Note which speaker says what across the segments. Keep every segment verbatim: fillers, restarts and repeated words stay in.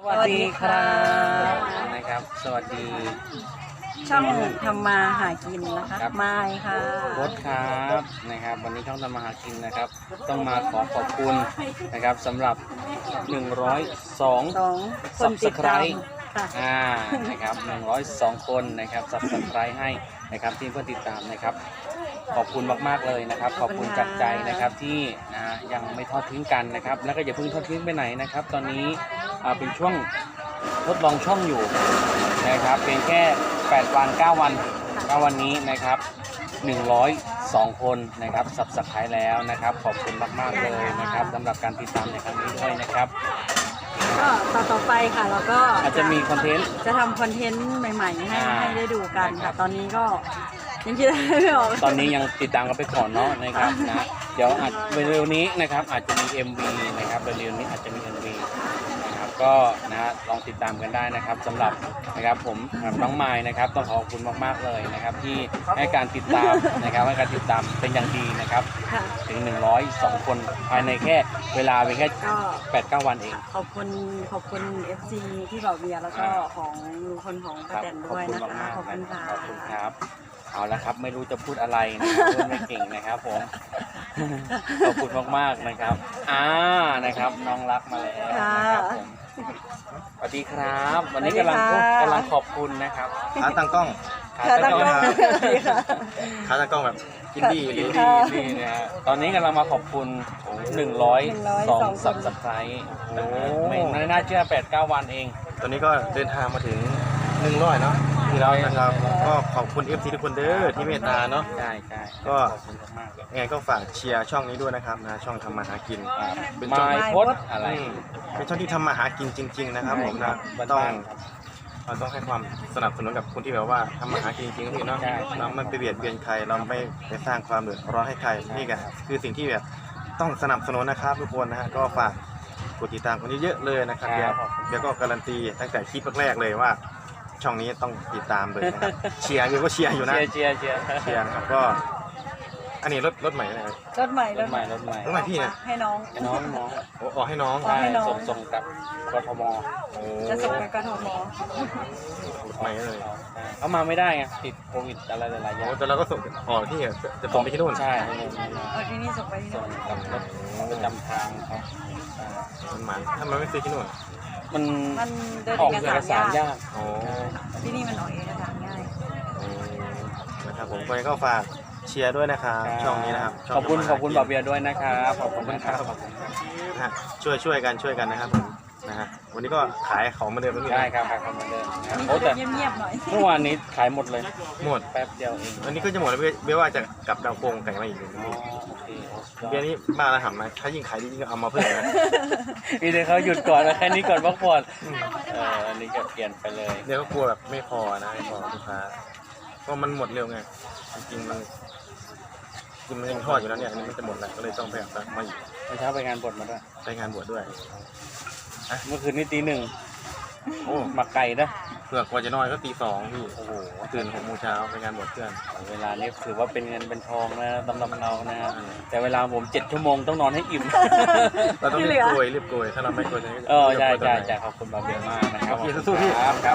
Speaker 1: วัสดีครับนะครับสวัสดี
Speaker 2: ช่องทำมาหากินนะคะไม้ค่ะ
Speaker 1: โค้ชครับนะครับวันนี้ช่องทำมาหากินนะครับต้องมาขอขอบคุณนะครับสำหรับหนึ่งร้อยสอง
Speaker 2: คนติดตาม
Speaker 1: อ่านะครับหนึ่งร้อยสองคนนะครับสับสไครต์ให้นะครับที่เพื่อนติดตามนะครับขอบคุณมากๆเลยนะครับขอบคุณจากใจนะครับที่นะยังไม่ทอดทิ้งกันนะครับแล้วก็อย่าเพิ่งทอดทิ้งไปไหนนะครับตอนนี้เป็นช่วงทดลองช่องอยู่นะครับเพียงแค่แปดวันเก้าวันเก้าวันนี้นะครับหนึ่งร้อยสองคนนะครับสับสไครต์แล้วนะครับขอบคุณมากๆเลยนะครับสำหรับการติดตามในครั้งนี้ด้วยนะครับ
Speaker 2: ก็ต่อต่อไปค่ะแล้วก็
Speaker 1: อาจจะมีคอนเทนต์
Speaker 2: จะทำคอนเทนต์ใหม่ๆให้ให้ได้ดูกันค่ะตอนนี้ก็ยังคิดไม่ออก
Speaker 1: ตอนนี้ยังติดตามกันไปก่อนเนาะนะครับนะเดี๋ยวอาจเร็วๆนี้นะครับอาจจะมี เอ็ม วี นะครับเร็วๆนี้อาจจะมี เอ็ม วี นะครับก็นะลองติดตามกันได้นะครับสำหรับนะครับผมน้องไม้นะครับต้องขอบคุณมากๆเลยนะครับที่ให้การติดตามนะครับให้การติดตามเป็นอย่างดีนะครับถึงหนึ่งร้อยสองคนภายในแค่เวลาเพียงแค่แปดเก้าวันเอง
Speaker 2: ขอบคุณขอบคุณ เอฟ ซี ที่บอกเบียร์แล้วก็ของลุงคนของป้าแตนด้วยนะคะขอบคุณค่ะ
Speaker 1: ขอบคุณครับเอาละครับไม่รู้จะพูดอะไรนะครับพูดไม่เก่งนะครับผมขอบคุณมากๆนะครับอ่านะครับน้องรักมาแล้วนะครับผมสวัสดีครับวันนี้กำลังกำลังขอบคุณนะครับ
Speaker 3: ขาตั้งกล้อง
Speaker 2: ขาตั้งกล้อง
Speaker 3: ขาตั้งกล้องแบบกินดี
Speaker 1: กินดีดีนะตอนนี้กำลังมาขอบคุณหนึ่งร้อยสองสับสไครต์โอ้ไม่น่าเชื่อแปดเก้าวันเอง
Speaker 3: ตอนนี้ก็เดินทางมาถึงหนึ่งร้อยเนาะที่เรานะครับก็ขอบคุณ เอฟ ซี ทุกคนเด้อที่เมตตาเนาะ
Speaker 1: ใช่ใช่
Speaker 3: ก็ยังไงก็ฝากเชียร์ช่องนี้ด้วยนะครับนะช่องทำมาหากิน
Speaker 1: เป็นช่องโพสอะไร
Speaker 3: เป็นช่องที่ทำมาหากินจริงๆนะครับผมนะต้องเราต้องให้ความสนับสนุนกับคนที่แบบว่าทำมาหากินจริงๆพี่เนาะเราไม่ไปเบียดเบียนใครเราไม่ไปสร้างความเดือดร้อนให้ใครนี่แหละคือสิ่งที่แบบต้องสนับสนุนนะครับทุกคนนะฮะก็ฝากกดติดตามคนเยอะๆเลยนะครับเดี๋ยวเดี๋ยวก็การันตีตั้งแต่คลิปแรกๆเลยว่าช่องนี้ต้องติดตามเลยนะครับเชียร์อยู่ก็เชียร์อยู่นะ
Speaker 1: เชียร์เชียร์
Speaker 3: เชียร์ครับก็อันนี้รถรถใหม่นะ
Speaker 2: รถใหม่
Speaker 1: รถใหม่รถใหม่
Speaker 3: รถใหม่พี่นะ
Speaker 2: ให้น้อง
Speaker 1: ให้น้องน้อง
Speaker 3: โอ้ออกให้น้อง
Speaker 1: ใช่ส่งส่งกับกทม
Speaker 2: จะส่งไปกทม
Speaker 3: ใหม่เลย
Speaker 1: เขามาไม่ได้ไงติดโควิดอะไรหลายๆอย่าง
Speaker 3: แต่เราก็ส่งออกที่จะส่งไปที่นู่น
Speaker 1: ใช่
Speaker 2: เออที่นี่ส่งไปที่นู่น
Speaker 1: กับรถประจำทางเขา
Speaker 3: มันหมายถ้ามันไม่ซื้อที่นู่น
Speaker 1: มัน
Speaker 2: มันเดิน
Speaker 1: ออก
Speaker 2: เอ
Speaker 1: เอกสารยาก
Speaker 3: โอ้
Speaker 2: ที่นี่มันออกเอกสารง่าย
Speaker 3: นะครับผมก็ฝากเชียร์ด้วยนะครับช่องนี้นะครับ
Speaker 1: ขอบคุณขอบคุณบ่าวเบียร์ด้วยนะครับขอบคุณครับ
Speaker 3: นะช่วยช่วยกันช่วยกันนะครับผมนะฮะวันนี้ก็ขายของมาเดิม
Speaker 1: ใช่ครับขายของมาเดิม
Speaker 2: โอ้แต่เงียบๆหน่อย
Speaker 1: เมื่อวานนี้ขายหมดเลย
Speaker 3: หมด
Speaker 1: แป๊บเดียวเอง
Speaker 3: วันนี้ก็จะหมดแล้วเบี้ยว่าจะกลับดาวโกงไก่มาอีกหนึ่งเบี้ยนี้บ้าแล้วทำไหมถ้ายิ่งขายยิ่งเอามาเพิ่มนะ
Speaker 1: พี่เดี๋ยวเขาหยุดก่อนแล้วแค่นี้ก่อนพักผ่อนเอออันนี้ก็เปลี่ยนไปเลย
Speaker 3: เดี๋ยวก็กลัวแบบไม่พอนะไม่พอลูกค้าเพราะมันหมดเร็วไงจริงๆมันจริงมันยังทอดอยู่แล้วเนี่ยอันนี้มันจะหมดแล้วก็เลยต้องไปหามาอีก
Speaker 1: เมื่อเช้าไปงานบวชมาด้วย
Speaker 3: ไปงานบวชด้วย
Speaker 1: เมื่อคืนนี้ตีหนึ่ง
Speaker 3: โอ้
Speaker 1: หมักไก่นะ
Speaker 3: เผื่อกว่าจะนอนก็ตีสองพี่โอ้โหตื่นหกโมงเช้าไปงานบวชเพื่อน
Speaker 1: เวลานี้ถือว่าเป็นเงินเป็นทองนะตำรับเรานะแต่เวลาผมเจ็ดชั่วโมงต้องนอนให้อิ่ม
Speaker 3: เราต้องรีบโกยรีบโกยถ้าเราไม่โกยจะ
Speaker 1: เออใช่ใช่ใช่ขอบคุณบ่าวเบียร์มากนะครับ
Speaker 3: สู้ๆพี่
Speaker 1: ครับครับ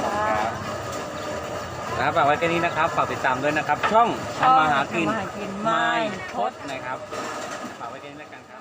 Speaker 1: ครับฝากไว้แค่นี้นะครับฝากติดตามด้วยนะครับช่องทำมาหากิน
Speaker 2: ไม้
Speaker 1: พดนะครับฝากไว้แค่นี้แล้วกันครับ